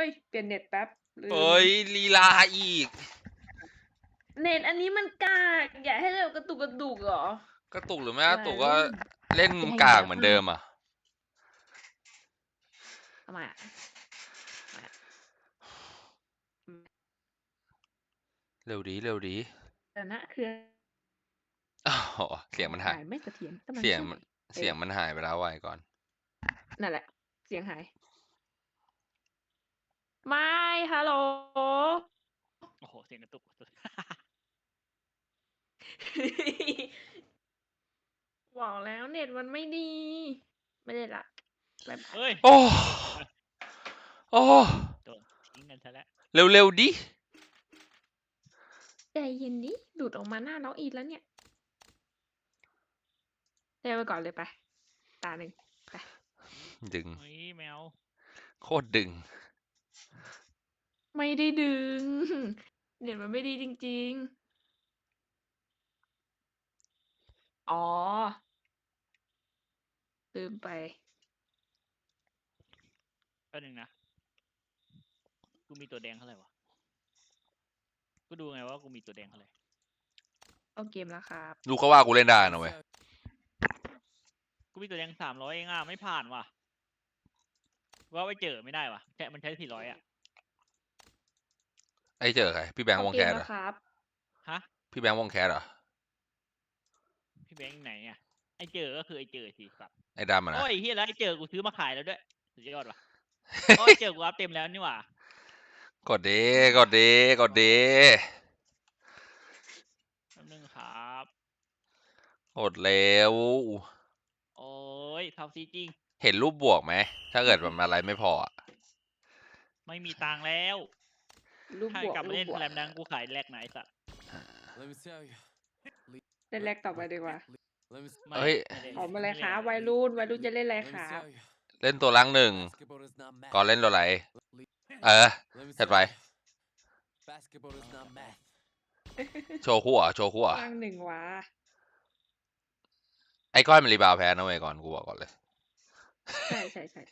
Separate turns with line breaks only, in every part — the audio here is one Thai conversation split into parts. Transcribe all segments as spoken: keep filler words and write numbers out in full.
ยเปลี่ยนเน็ตแป๊บ
เอ้ยลีลาอีก
เน็ตอันนี้มันกากอยากให้เรากระตุกกระตุกเหรอก
ระตุกหรือไม่กระตุกก็เล่นกากเหมือนเดิมอ่ะ
ทำไมอ่ะ
เร็วดีเร็วดี
แต่นะคือ
อ๋อเสียงมันหาย
ไม่เสถียร
เสียงมันเสียงมันหายไปแล้วไว้ก่อน
นั่นแหละเสียงหายไม่ฮัลโหล
โอ้โหเสียงกระตุก
บอกแล้วเน็ตมันไม่ดีไม่ได้ละ
เฮ้ย
โอ้โอ้
โดนทิ้งกันซะแล้ว
เร็วเร็วดิ
ใจเย็นดิหลุดออกมาหน้าน้องอีแล้วเนี่ยเทไปก่อนเลยไปตาหนึ่งไป
ดึง
เฮ้ยแมว
โคตรดึง
ไม่ได้ดึงเน็ตมันไม่ดีจริงๆอ๋อลืมไป
แป๊บนึงนะกูมีตัวแดงเท่าไหร่วะกูดูไงว่ากูมีตัวแดงเท่าไหร่
เอาเกมแล้วครับ
ลูกเขาว่ากูเล่นได้นะเว้ย
กูมีตัวแดงสามร้อยเองอ่ะไม่ผ่านว่ะว่าไปเจอไม่ได้ว่ะแค่มันใช้สี่ร้อยอ่ะ
ไอ้เจอใครพี่แบงค์วงแคสเหรอ
ฮะ
พี่แบงค์วงแคสเหรอ
พี่แบงค์ไหนอ่ะไอ้เจอก็คือไอ้เจอสิครับ
ไอ้ดำอ่ะนะ
โอ้ยเฮียแล้วไอ้เจอกูซื้อมาขายแล้วด้วยสุดยอดว่ะโอ้ยเจอกูอัพเต็มแล้วนี่หว่าก
ดดีกดดีกดดี
แป๊บนึงครับ
กดเร็ว
โอ้ยท็อปซีจริง
เห็นรูปบวกไหมถ้าเกิดมันอะไรไม่พอ
ไม่มีตังค์แล้วถ้ากลับมาเล่นแรมดังกูขายแลกไหนสัตว์
เล่นแรกต่อไปดีกว่า
เฮ้ย
ออกมาเลยครับวัยรุ่นวัยรุ่นจะเล่นอะไรครับ
เล่นตัวลังหนึ่งก่อนเล่นตัวไหนเออถัดไปโชว์คู่อ่ะโชว์คู่อ่ะ
ลังหนึ่งวะ
ไอ้ก้อยมันรีบาวแพ้นะเว้ยก่อนกูบอกก่อนเลย
ใช่ใช่ใช่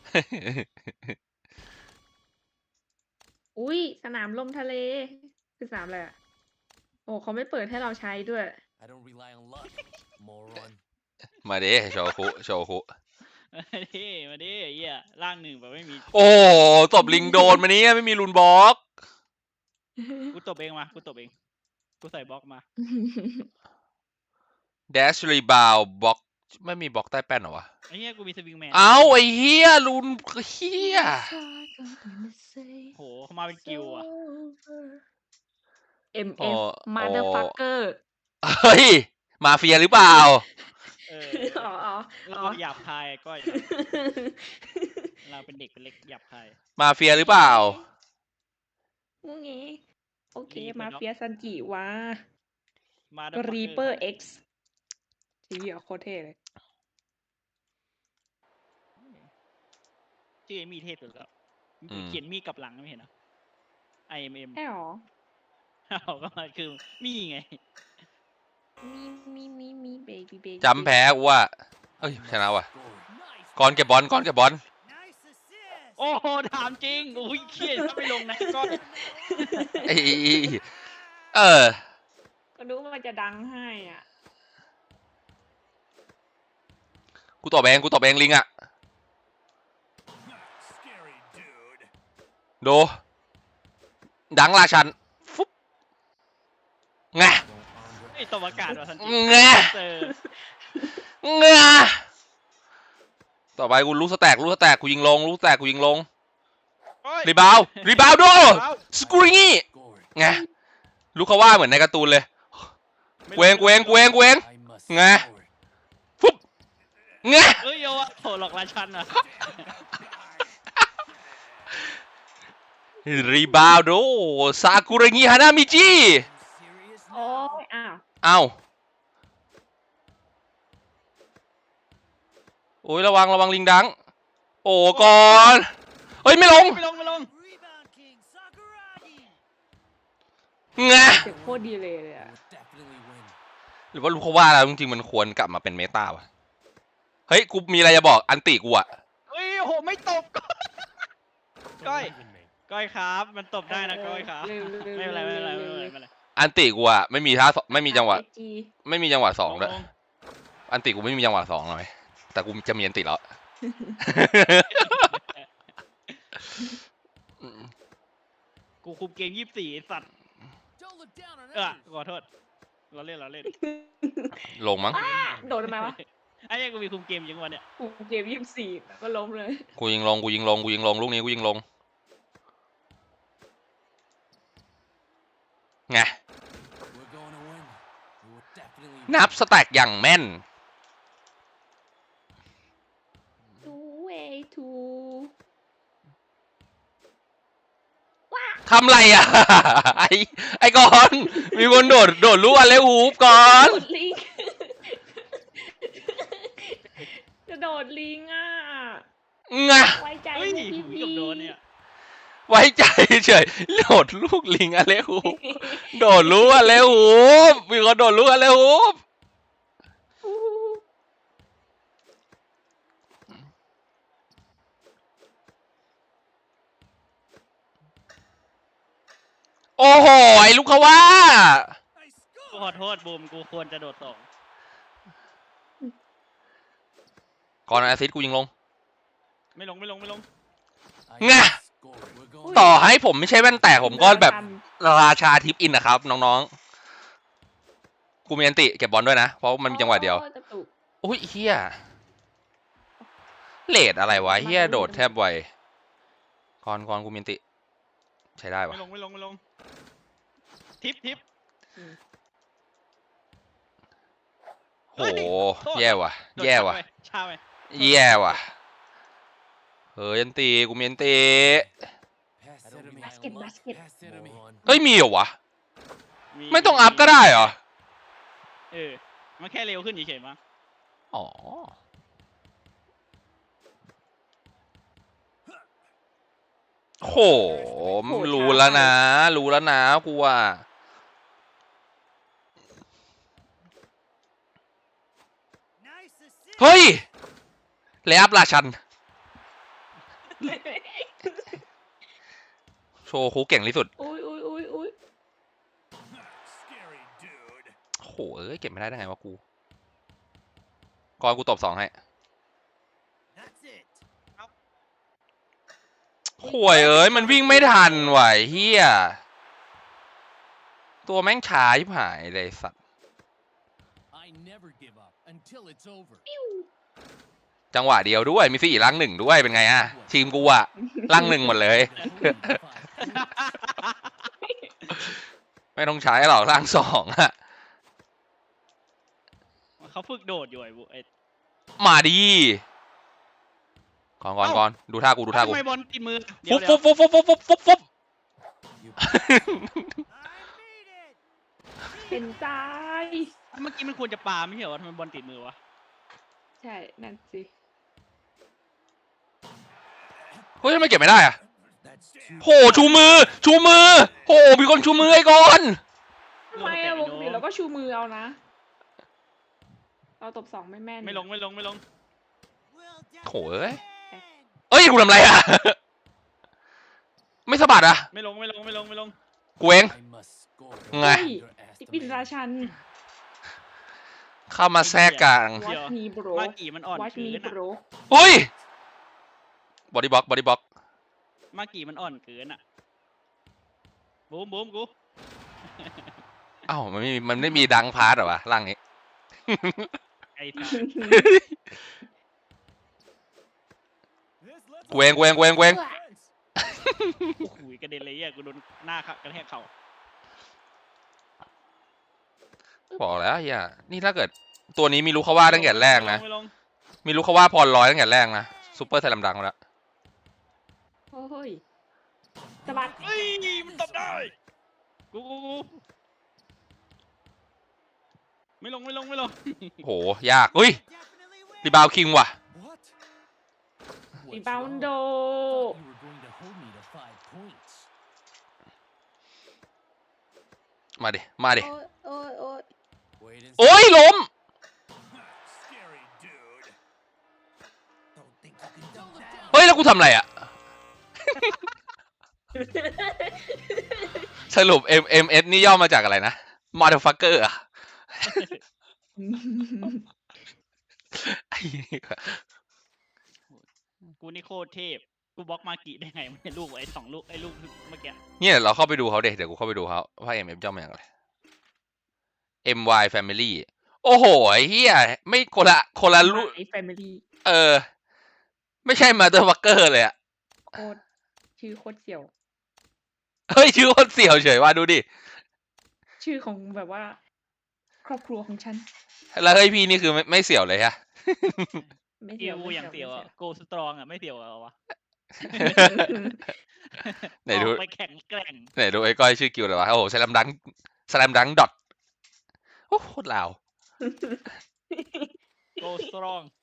อุ้ยสนามลมทะเลคือสนามอะไรอ่ะโอ้เขาไม่เปิดให้เราใช้ด้วย
มาดิโชว์คู่โชว์คู่
มาดิมาดิเหี้ยร่างหนึ่งแบบไม่มี
โอ้ตบลิงโดนมานี้ไม่มีรุนบล็อก
กูตบเองมากูตบเองกูใส่บล็อกมา
เดชรีบาวบล็อกไม่มีบล็อกใต้แป้นเหรอวะ
ไอ้เหี้ยกูมีสวิงแมน
เอาไอ้เฮียรุนเฮีย
โหเขามาเป็นกิวอ่ะ
เอ็ม เอฟ motherfucker
เฮ้ยมาเฟียหรือเปล่า
เออเราหยาบคายก็เราเป็นเด็กเป็นเล็กหยาบคาย
มาเฟียหรือเปล่า
งูงี้โอเคมาเฟียซันจิวะ
มา
รีเปอร์เอ็กซ์ทีวีโคตรเท่เลย
ชื่อมีเทพสุดแล้วเขียนมีกับหลังไม่เห็นเหรอ ไอ เอ็ม เอ็ม
ใช่หรอ
เอาก็มาคือมีไง
มีมีมีมีเบบี้เบบี้
จำแพ้กูว่าเอ้ยชนะว่ะก่อนเก็บบอลก่อนเก็บบอล
โอ้โหถามจริงอุ้ยเครียดถ้าไม่ลงนะก้อน
ไอ้เออ
ก็รู้ว่ามันจะดังให้อ่ะ
กูตอบเองกูตอบเองลิงอ่ะดูดังราชันฟุ๊บไง
ไอ้ตบอากาศว่ะทันที
ไงไงต่อไปกูรู้สแต็กรู้สแต็กกูยิงลงรู้สแต็กกูยิงลงรีบาวรีบาวดูสกูริงี้ไงลูกเขาว่าเหมือนในการ์ตูนเลยเวงเวงเวงเวงไงฟุ๊บไง
เอ้ยโย่โหหลอกราชันอ่ะ
รีบาวดูซากุระงิฮานามิจิ
โอ้ยอ้าว
อ้าวโอ้ยระวังระวังลิงดังโอ้ก่อนเฮ้ยไม่ลง
ไม่ลงไม่ลง
ไง
เสียงโคตรดีเลยเลยอะ
หรือว่าลูกเขาว่าแล้วจริงๆมันควรกลับมาเป็นเมตาวะเฮ้ยกูมีอะไรจะบอกอันติกูอะ
เฮ้ยโหไม่ตบก้อยก้อยครับมันตบได้นะก้อยครับ
เร็วๆๆๆ
ไม่เป็นไรไม่เป็นไรไม่เป็นไรไม่เป็นไร
อันติกูอะไม่มีท่าสไม่มีจังหวะ
ไอจี
ไม่มีจังหวะสอง
ล
ด้วย
ลง
อันติกูไม่มีจังหวะสองเลยแต่กูจะมีอันติแล้ว
กูคุมเกมยี่สิบสี่ไอ้สัตว์เออขอโทษเราเล่นเราเล่น
ลงมั้ง
โดนทำไมวะ
ไอ้เหี้ยังกูมีคุมเกมยังวะเนี่ย
กูเกมยี่สิบสี่ก็ล้มเลย
กูยิงลงกูยิงลงกูยิงลงลูกนี้กูยิงลงไงนับสแต็กอย่างแม่น
two way to
ทำไรอ่ะ ไอไอกอนมีคนโดดโดดลูกอะไรหูบก่อน
โดดลิง จะโดดลิงอ่ะ
งะ
ไว้ใจ
เฮ้ย
พวก
ผม
พี่
กับโดนเนี่ย
ไว้ใจเฉยโดดลูกลิงอะไรหูบโดดลูกอะไรหูบมีคนโดดลูกอะไรหูบ โอ้โหไอ้ลูกเขาว่า
กูขอโทษบูมกูควรจะโดดสอง
ก่อนอาซิดกูยิงลง
ไม่ลงไม่ลงไม่ลง
ไง ต่อให้ผมไม่ใช่แว่นแตกผมก็แบบราชาทิปอินนะครับน้องๆกูมีอันติเก็บบอลด้วยนะเพราะมันมีจังหวะเดียว
โอ้จะตุก
โอ้ยเฮียเลดอะไรวะเฮียโดดแทบไวก่อนก่อนกูมีอันติ ใช้ได้ปะ
ไม่ลงไม่ลงไม่ลงทิปทิป
โหแย่ว่ะ
โดด
แย่ว่ะ
ช้าไป
แย่ว่ะเฮ้ยอันติกูมีอันติ
บาสเก็ตบาสเก็ต
เฮ้ยมีเหรอวะ
มี
ไม่ต้องอัพก็ได้เหรอ
เออมันแค่เร็วขึ้นเฉยๆมั้ง
อ๋อโหรู้แล้วนะ รู้แล้วนะกูว่าเฮ้ยเลอัพราชัน โชว์คูเก่งที่สุด
อุ้ยอุ้ยอุ้ยอุ้ย
โหเอ้ยเก็บไม่ได้ได้ไงวะกูก่อนกูตบสองให้ห่วยเอ้ยมันวิ่งไม่ทันไหวะเฮียตัวแม่งช้าชิบหายเลยสัตว์จังหวะเดียวด้วยมีสี่ลังหนึ่งด้วยเป็นไงอะทีมกูอะลังหนึ่งหมดเลย ไม่ต้องใช้หรอกลังสองอะ
เขาฝึกโดดอยู่ไอ้บุไอ้
มาดีก่อนก่อนก่อนดูท่ากูดูท่ากู
ทำไมบอลติดมือเดี๋ย
ฟุ
ว
บ
เดี๋
ฟุ
ยว
บฟุบฟุบฟุบฟุบฟุบ
เป็นใจ
เมื่อกี้มันควรจะปาไม่ใช่เหรอทำไมบอลติดมือวะ
ใช่นั่นสิ
เฮ้ยทำไมเก็บไม่ได้อะโหชูมือ ชูมือโหมีคนชูมือไอ้ก่อน
ทำไมอะปกติเราก็ชูมือเอานะ เราตบสองไม่แม่น
ไม่ลงไม่ลงไม่ลง
โหเอ้ยเอ้ยกูทำไรอะไม่สะบัดอะ
ไม่ลงไม่ลงไม่ลงไม่ลง
กูเองไง
ติปินราชัน
เข้ามาแทรกกลาง
Watch me bro
มากี่มันอ่อน
Watch
เกิ
me
นอะ
bro
เฮ้ยบอดี้บล็อกบอดี้บล็อก
มากี่มันอ่อนเกินอะบูมบูมกู
อ้าวมันไม่มีมันไม่มีดังพาร์ทเหรอวะร่างนี้
ไอ้สัส
กูเองกูเองกูเองกูเอง
โอ้โหกระเด็นเลยอ่ะกูโดนหน้ากระแทกเข่า
บอกแล้วเฮียนี่ถ้าเกิดตัวนี้มีลูกเขาว่าตั้งแต่แรกนะ
ไม่ลง
มีลูกเขาว่าพรร้อยตั้งแต่แรกนะซูเปอร์ไทยลำดังมาแล้ว
โอ้ยสะบัด
เฮ้ยมันตบได้กูกูกูไม่ลงไม่ลงไม่ลง
โหยากเฮ้ยรีบาวคิงว่ะ
รีบาวโด
มาดิมาดิ
โอ้ยโอ้ยโอ้ย
โอ้ยล้มเฮ้ยแล้วกูทำอะไรอ่ะสรุป M M S นี่ย่อมาจากอะไรนะ motherfucker อะไอ้เหี้ย
กูนี่โคตรเทพกูบล็อกมากิได้ไงไม่ใช่ลูกไอ้สองลูกไอ้ลูกเมื่อกี้
เนี่ยเราเข้าไปดูเขาเด็เดี๋ยวกูเข้าไปดูเขาว่า M M ย่อมาจากอะไร M Y Family โอ้โหไอ้เหี้ยไม่คนละคนละลูก
ไอ้แฟมิลี่
เออ ไม่ใช่ motherfucker เลยอะ
โคตรชื่อโคตรเสี่ยว
เฮ้ยชื่อคนเสี่ยวเฉยว่าดูดิ
ชื่อของแบบว่า ครอบครัวของฉัน
แล้วเฮ้ยพี่นี่คือไม่ไม่เสี่ยวเลยฮะ
ไม่
กิ
เสี่ยว
ว
ไม่
อย่างเสี่ยว
ไม่
อะโกสตรองอะไม่เสี่ยวเหรอวะ
ไหนดู
ออกไปแข็งแกร่ง
ไหนดูไอ้ก้อยชื่อกิวเลยวะโอ้โหสแลมดังสแลมดังดอทโอ้โคตรลาว
โกสตรอง